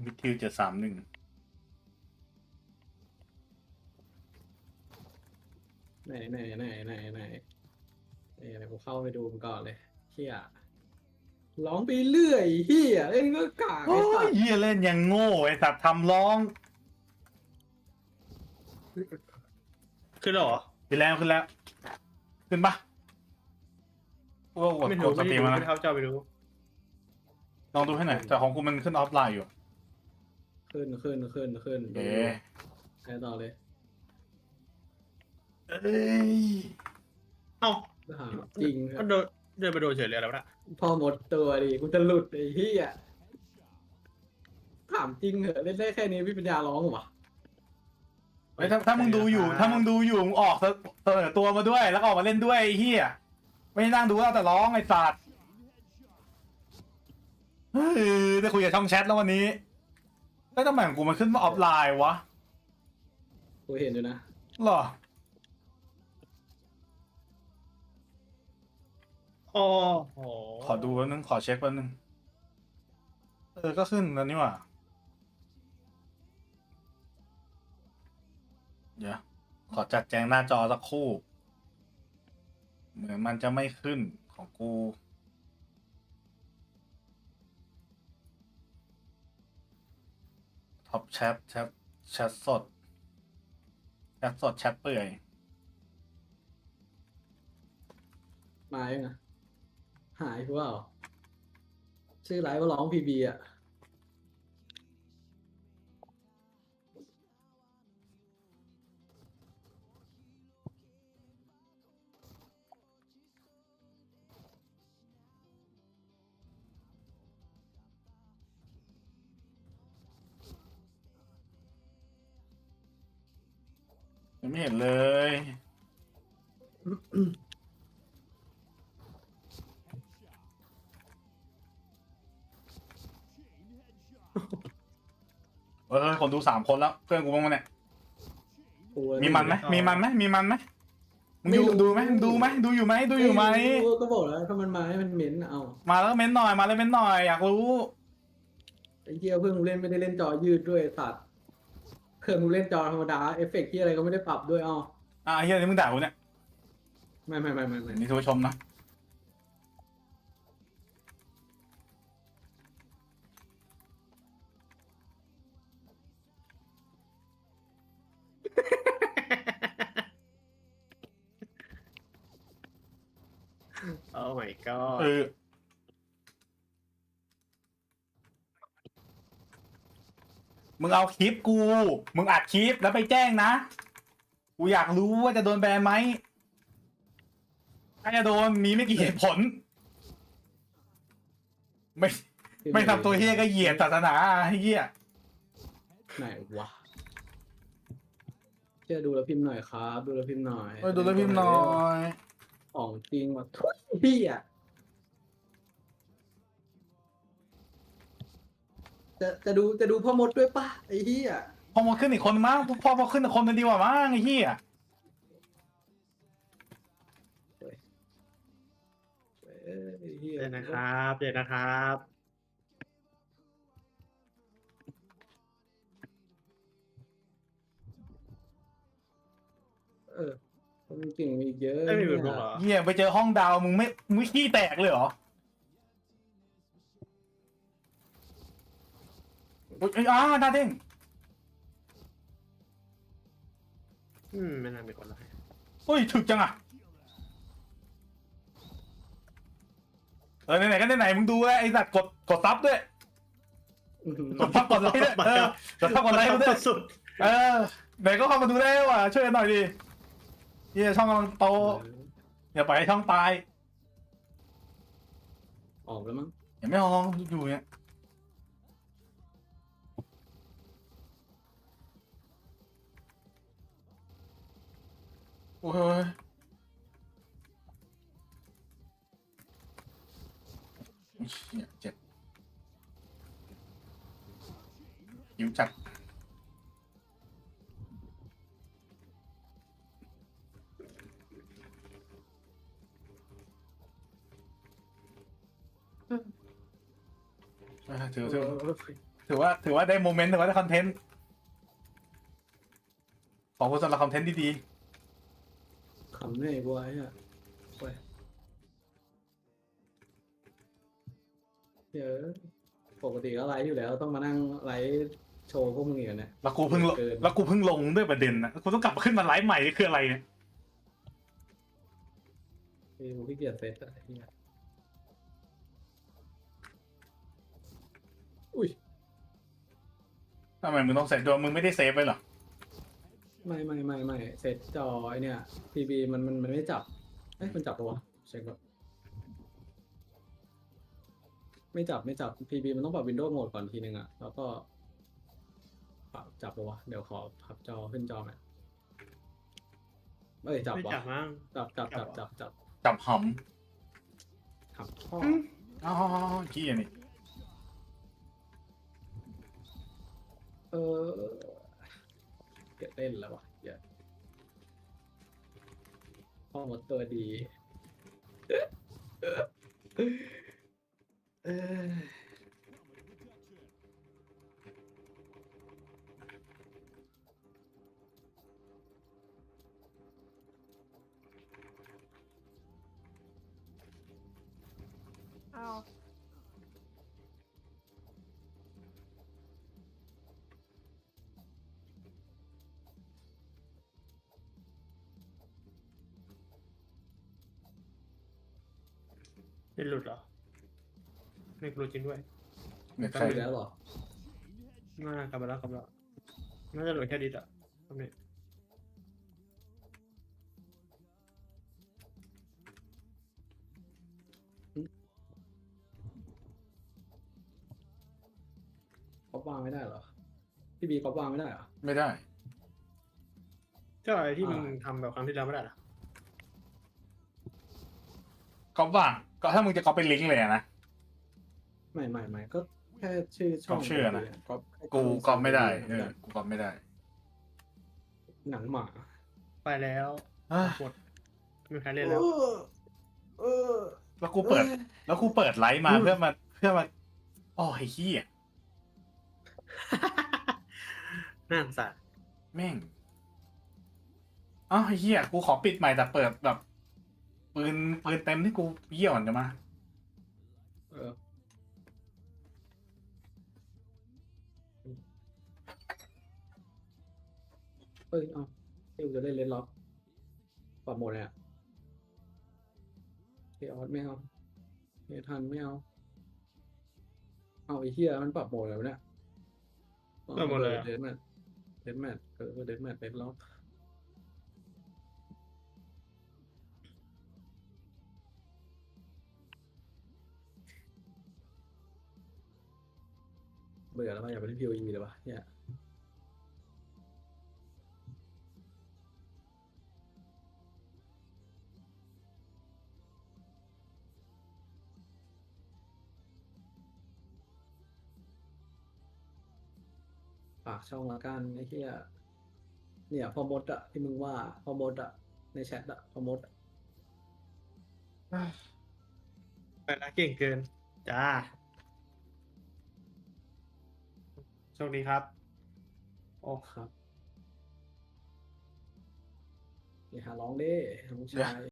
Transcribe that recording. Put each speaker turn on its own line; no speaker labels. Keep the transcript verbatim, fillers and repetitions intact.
วิทิวเจ็ดสามหนึ่ง
ไหนไหนไหนไหนไหนเอ้ยกูเข้าไปดูมันก่อนเลยเฮียร้องไปเรื่อยเฮียเล่นก็กาก
โอ้
ไอ้สั
ย
ตว์
เหี้ยเล่นยังโง่ไอ้สัตว์ทำร้อง
ขึ้นแล้วเหรอ
ขึ้นแล้วขึ้นแล้ว ขึ้นปะกูก็กด
ไม่
ก
รู้
ดส
ไม่
ตรี
ได้
ม
ดู
มา
ไม่
นะ
เท่าเจ้าไปดู
ลองดูให้หน่อยแต่ของกูมันขึ้นออฟไลน์อยู่
ขึ้นขึ้นขึ้นขึ้น
เอ๊ะ
ไปต่อเลย
เอ้ย
เอ้า
หาจริงค
ก็
รับ
เดินเดินไปโดนเฉยเลยแล้วนะ
พอหมดตัวดิกูจะหลุดไอ้เฮียถามจริงเหอะเล่นได้แค่นี้พี่ปัญญาร้องเหรอวะ
เฮ้ยถ้าถ้ามึงดูอยู่ ถ้ามึงดูอยู่มึงออกเสนอตัวมาด้วย แล้วก็ออกมาเล่นด้วยไอ้เฮียไม่นั่งดูแล้วแต่ร้องไอ้สัตว์เฮ้ยได้คุยกับช่องแชทแล้ววันนี้แล้วทำไมของกูมันขึ้นมาออฟไลน์วะ
กูเห็นอยู่นะ
หรอ
โอ้โห
ขอดูแป๊บนึงขอเช็คแป๊บนึงเออก็ขึ้นแล้วนี่หว่าเดี๋ยวขอจัดแจงหน้าจอสักครู่ เหมือนมันจะไม่ขึ้นของกูท็อปแชทแชทแชทสดแชทสดแชทเปื่อย
มายังอะหายกูเปล่าชื่อไลฟ์ว่าร้องพีบีอ่ะ
ยังไม่เห็นเลย เออคนดูสามคนแล้ว เพื่อนกูบ้างมั้ยเนี่ย
กู
มีมันไหมมีมันไหมมีมันไหมมึงอยู่ดูไหมดูไหมดูอยู่ไหมดูอยู่ไหม
รู้ก็บอกแล้วถ้ามันมาให้มันเหม็นเอา
มาแล้วเม้นหน่อยมาแล้วเม้นหน่อยอยากรู้
ไอ้เหี้ยเพิ่งเล่นไม่ได้เล่นจอยืดด้วยไอ้สัตว์เครื่องมึงเล่นจอธรรมดาเอฟเฟกต์ที่อะไรก็ไม่ได้ปรับด้วยเอา
อ่ะไอ้เฮียนี่มึงด่ากูเนี่ย
ไม่ไม่ไม่ไม่ไม่
นี่ทุกผู้ชมนะ
โอ้ my god
เออมึงเอาคลิปกู มึงอัดคลิปแล้วไปแจ้งนะ กูอยากรู้ว่าจะโดนแบนไหมถ้าจะโดนมีไม่กี่เหตุผล ไม่ไม่ทำตัวเฮียก็เหยียดศาสนาไอ้เฮีย
ไหนวะเชื่อดูแล้วพิมพ์หน่อยครับ ดูแล้วพิมพ์หน่อย
เออดูแล้วพิมพ์หน่อย
ของจริงว่ะทุยพี่อ่ะจะจะดูจะดูพ่อมดด้วยป่ะไอ้เหี้ย
พอมาขึ้นอีกคนมั้งพอพอขึ้นอีกคนนึงดีกว่ามั้งไอ้เฮีย
เอ้ยไอ้เหี้ย
เดี๋ยวนะครับเดี๋ยวนะครับ
เออคนเก่งมีอีกเยอะ
ไม่มี
เนี่
แบบลงเหร
ย
อ
เฮียไปเจอห้องดาวมึงไม่มึงขี้แตกเลยเหรออุ๊ยอ้าวหน้าเด้ง
อืมไม่น่ามีคนเลย
อุ้ยถึกจังอ่ะเออไหนๆก็ไหนๆมึงดูแลวไอ้สัตว์กดกดซับด้วย
อื้อหือก
ดซับกดไลค์ด้วยเออกดซับกดไลค์มาด้วย
สุด
เออไหนก็เข้ามาดูได้ว่ะช่วยกันหน่อยดิเฮียช่องกำลังโตอย่าปล่อยให้ช่องตาย
ออกแล้วมั้ง
อย่าไม่มองอยู่เนี่ยโอ้ยเชี่ยเจ็บหิวจัดเออถือถือ
เออ
ถือว่าถือว่าได้โมเมนต์ถือว่าได้คอนเทนต์ขอบคุณสำหรับคอนเทนต์ดี
ขำเหนื่อยบัวไอ้เนี่ยโอ้ยเดี๋ยวปกติก็ไลฟ์อยู่แล้วต้องมานั่งไลฟ์โชว์พวกมึงอีกแล้วเนี่ย
ๆแล้วกูเพิ่งลง
เกิน
แล้วกูเพิ่งลงด้วยประเด็นนะกูต้องกลับมาขึ้นมาไลฟ์ใหม่นี่คืออะไรเนี่ย
คือกูขี้เกียจเซตอะไอ้เนี่ยอุ้ย
ทำไมมึงต้องเซฟด้วยมึงไม่ได้เซฟไว้เหรอ
ไม่ไม่ไม่ไม่เซตจอไอเนี่ยพีบีมันมันมันไม่จับเอ้ยมันจับปะวะเช็คก่อนไม่จับไม่จับพีบีมันต้องปรับวินโดว์โหมดก่อนทีนึงอะแล้วก็ปรับจับปะวะเดี๋ยวขอพับจอขึ้นจอหน่อยเอ้ยจับ
ไม่
วะ
จับมั้ง
จับจับ
จั
จั
บบ เหรอ
จับจับ
จับห
ขับข้อ
ำอ๋อขี้ยนี่
เออเกิดเล่นแล้ววะเหี้ยข้อหมดตัวดีเออ
อ้าว
ไม่หลุดเหรอไม่หลุดจริงด้วย
เน็ต
กลับ
ใคร
ไปแล้วเหรอ
น่ากลับมาแล้วกลับมาแล้วน่าจะหลุดแค่ดิดอะตรงนี้
ก๊อปวางไม่ได้เหรอ พี่บีก๊อปวางไม่ได้เหรอ
ไม่ได้
ก็ไอ้ที่มึง
อ่า
ทำแบบครั้งที่แล้วไม่ได้เหรอ
ก็ว่างก็ถ้ามึงจะก็เป็นลิงก์เลยอะนะ
ไม่ไม่ไม่ก็แค่ชื่อช่อง
ก๊อปชื่อนะ
ก๊อป
กูก็ไม่ได้เออกูก็ไม่ได้
หนังหมา
ไปแล้ว
เอ้ย
หมดไม่มีใครเล่นแล้ว
เออเออ
แล้วกูเปิด แล้วกูเปิดไลฟ์มาเพื่อมาเพื่อมาอ๋อไอ้ขี้ย
น่าสงสาร
แม่งอ๋อไอ้เหี้ยกูขอปิดใหม่แต่เปิดแบบปืนปืนเต็มที่กูเยี่ยวก่อนจะมา
เออเอ้ยเอาที่กูจะเล่นเลนล็อกปรับโหมดเลยอ่ะเอออสไม่เอาเอทันไม่เอา เอาไอ้เหี้ยมันปรับโหมดแล้วะเนี่ย
ปรับโหมดเลยอะ
เดนแมทเดนแมทเออเดนแมทเลนล็อกเบื่อแล้วป่ะอยากไปเล่นพีโออีเลยวะเนี่ยฝากช่องละกันไอ้เหี้ยเนี่ยพอมดอะที่มึงว่าพอมดอะในแชทอะพอมดอะ
ไปละเก่งเกิน จ้าโชคดีครับ โอ้
ครับอย่าหาร้องเด้น้องชาย